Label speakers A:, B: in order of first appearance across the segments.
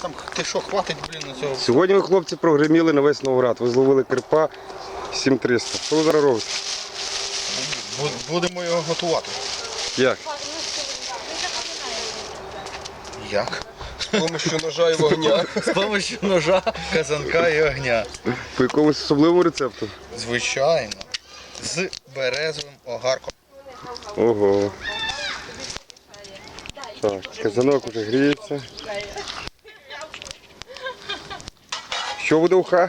A: там, ти що, хватить, на цього?
B: Сьогодні ви, хлопці, прогреміли на весь Новоград. Ви зловили карпа 7300. Що ви зараз робите?
A: Будемо його готувати.
B: Як?
A: Як? З допомогою ножа і вогня. З допомогою ножа, казанка і огня.
B: По якомусь особливому рецепту?
A: Звичайно. З березовим огарком.
B: Ого. Так, казанок вже гріється. Що буде уха?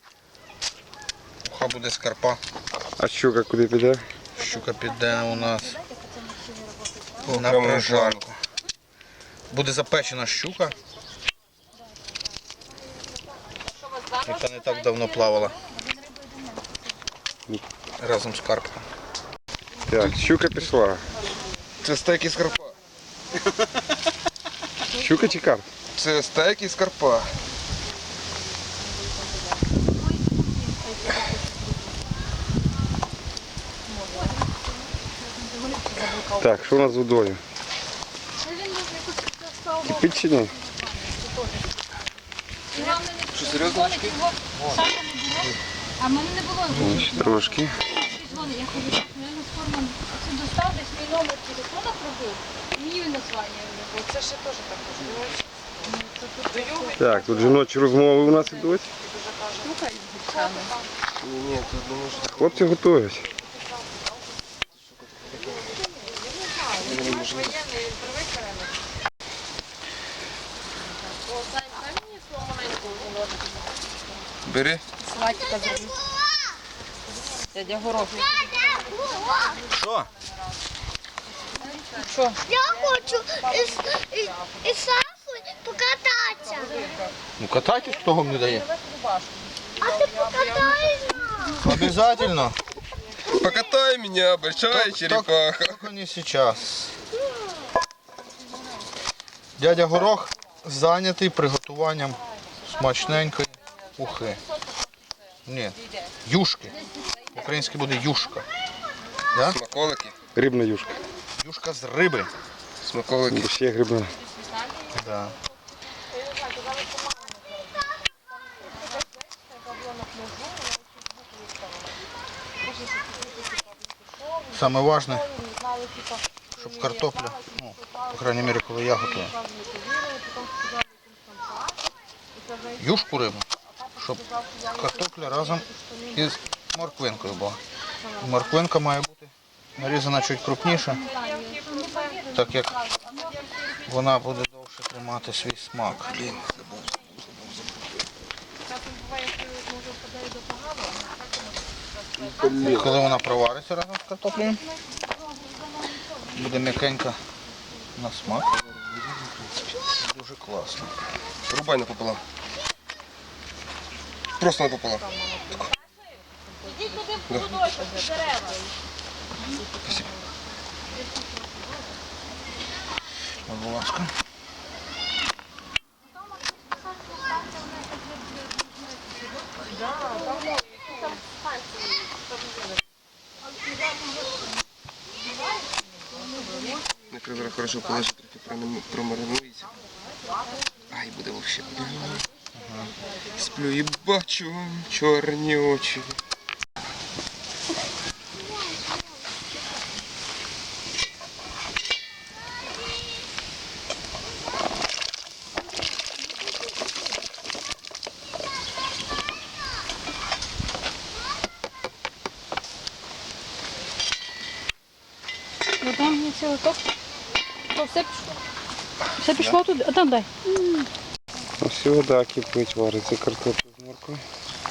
A: Уха буде з карпа.
B: А щука куди піде?
A: Щука піде у нас на прожарку. Буде запечена щука, яка не так давно плавала. Разом з карпом.
B: Так, щука пішла.
A: Це стейк із карпа.
B: Щука чи карп?
A: Це стейк із карпа.
B: Так, що у нас з водою? Кипить чи ні?
A: Що, серйозно?
C: А в мене не було.
B: Ще трошки.
C: Я кажу, я на форму це достав, десь мій номер телефона пробив. І мені він названня. Це ще теж так.
B: Так, тут жіночі розмови у нас ідуть. Хлопці готують.
A: Бери.
C: Салатика зроблю. Дядя Горох.
A: Що?
C: Що?
D: Я хочу із Сашою покататися.
A: Ну катайтесь, хто вам не дає.
D: А ти покатаєшся?
A: Обязательно.
E: Покатай меня, большая черепаха.
A: Только не сейчас. Дядя Горох зайнятий приготуванням смачненької ухи. Ні, юшки. Українське буде юшка. Да?
E: Смаколики.
B: Рибна юшка.
A: Юшка з риби.
E: Смаколики.
B: Бо ще є грибна.
A: Да. Саме важне, щоб картопля, ну, по крайней мере, коли я готую, юшку рибу, щоб картопля разом із морквинкою була. Морквинка має бути нарізана чуть крупніше, так як вона буде довше тримати свій смак. І коли вона провариться разом з картоплею, буде м'якенька на смак. Дуже класно.
E: Рубай напополам. Просто напополам.
C: Ідіть туди в куточок, в дерева.
A: Будь ласка.
E: Накривай хорошо положи, трохи промаринується. Ай, буде вообще. Сплю і бачу чорні очі.
C: Ну там мені цілий топ. То все пішло. Все пішло туди, а там дай.
B: Ось і вода кипить, вариться картопля з моркою.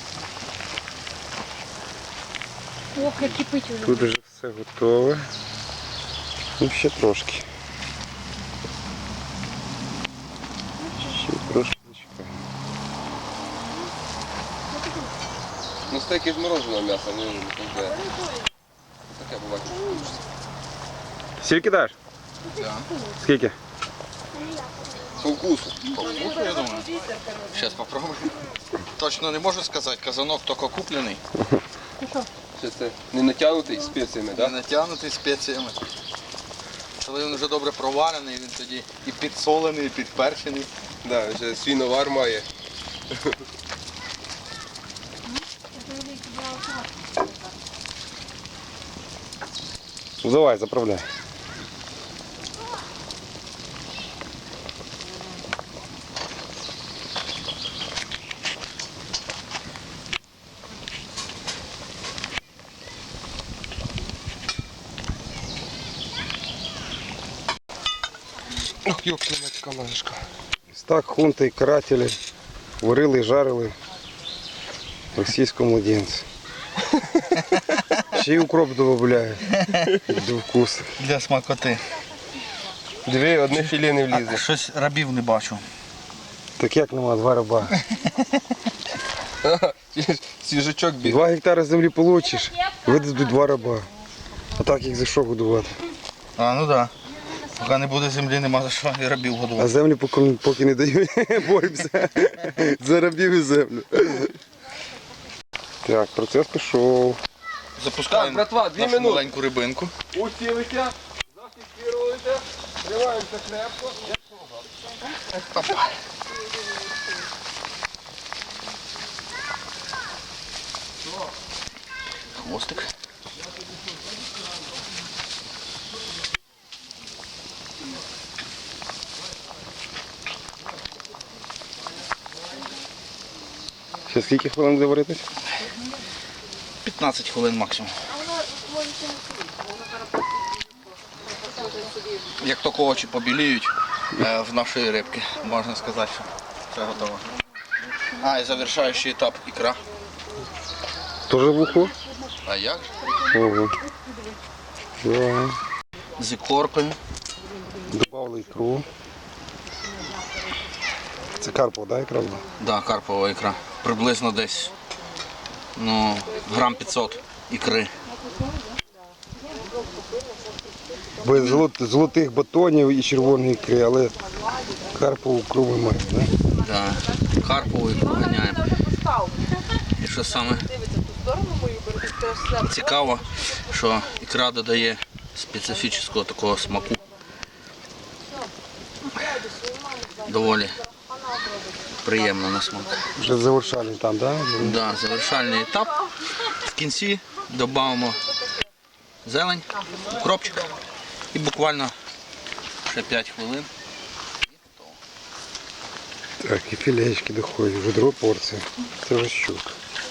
C: Ох, як кипить вже.
B: Тут вже все готове. Ну, ще трошки. Ще трошки зачекаємо.
E: Ну стейки з мороженого м'яса, не вже. Таке буває.
B: Сіль кидаєш?
A: Да.
B: Скільки?
E: По вкусу.
A: По вкусу, я думаю. Зараз попробуємо. Точно не можу сказати, казанок тільки куплений.
E: Ще це не натягнутий спеціями,
A: Не
E: так?
A: натягнутий спеціями. Коли він вже добре проварений, він тоді і підсолений, і підперчений.
E: Да, вже свій навар має.
B: Ну давай, заправляй.
E: Ох, ёпта ложка.
B: Так, хунти і карателі варили і жарили російського младенця. Ще й укроп додають до вкусу.
A: Для смакоти.
E: Дві, одне філе не влізе.
A: Щось рабів не бачу.
B: Так як нема, 2 раба.
E: Свіжачок біг.
B: 2 гектари землі получиш, видадуть 2 раба. А так їх за що годувати?
A: А, ну так. Да. Поки не буде землі, нема за що і рабів
B: А
A: годувати.
B: землі поки не дають, боремося за рабів і землю. Так, процес пішов.
A: Запускаємо
E: Так, братва, 2
A: нашу
E: минути.
A: маленьку рибинку.
E: Усілися, зафіксируєте, тримаємося крепко.
A: Хвостик.
B: Ще скільки хвилин буде варитись?
A: 15 хвилин максимум. Як тільки очі побіліють в нашої рибки, можна сказати, що все готово. А, і завершаючий етап ікра.
B: Тоже в уху?
A: А як же?
B: Ого. Да.
A: З ікоркою.
B: Добавили ікру. Це карпова, да, ікра була?
A: Да, карпова ікра. Приблизно десь грам 500 ікри.
B: Без золотих батонів і червоної ікри, але карпову ікру ми маємо, да?
A: Да. Карпову ікру ганяємо. І що саме цікаво, що ікра додає специфічного такого смаку. Доволі приємно на смак.
B: Вже завершальний там, да?
A: Да, завершальний етап. В кінці додамо зелень, укропчик і буквально ще 5 хвилин.
B: Так, і філеєчки доходять, вже друга порція. Це вже щука.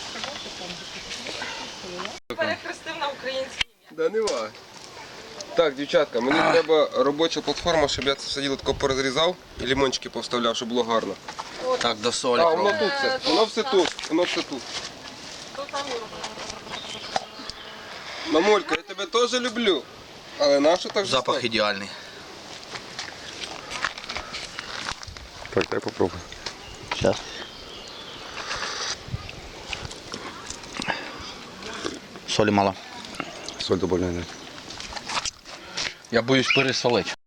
F: Перехрестив на українській.
E: Да нема. Так, дівчатка, мені треба робоча платформа, щоб я це все діло тако порозрізав і лимончики повставляв, щоб було гарно.
A: Так, до солі.
E: А, воно
A: пробуємо.
E: тут все. Воно все тут. Воно все тут. Мамулька, я тебе теж люблю. Але нащо так
A: Запах
E: жорстоко?
A: ідеальний.
B: Так, дай попробуй.
A: Зараз. Солі мало.
B: Соль добавляй.
A: Я боюсь пересолити.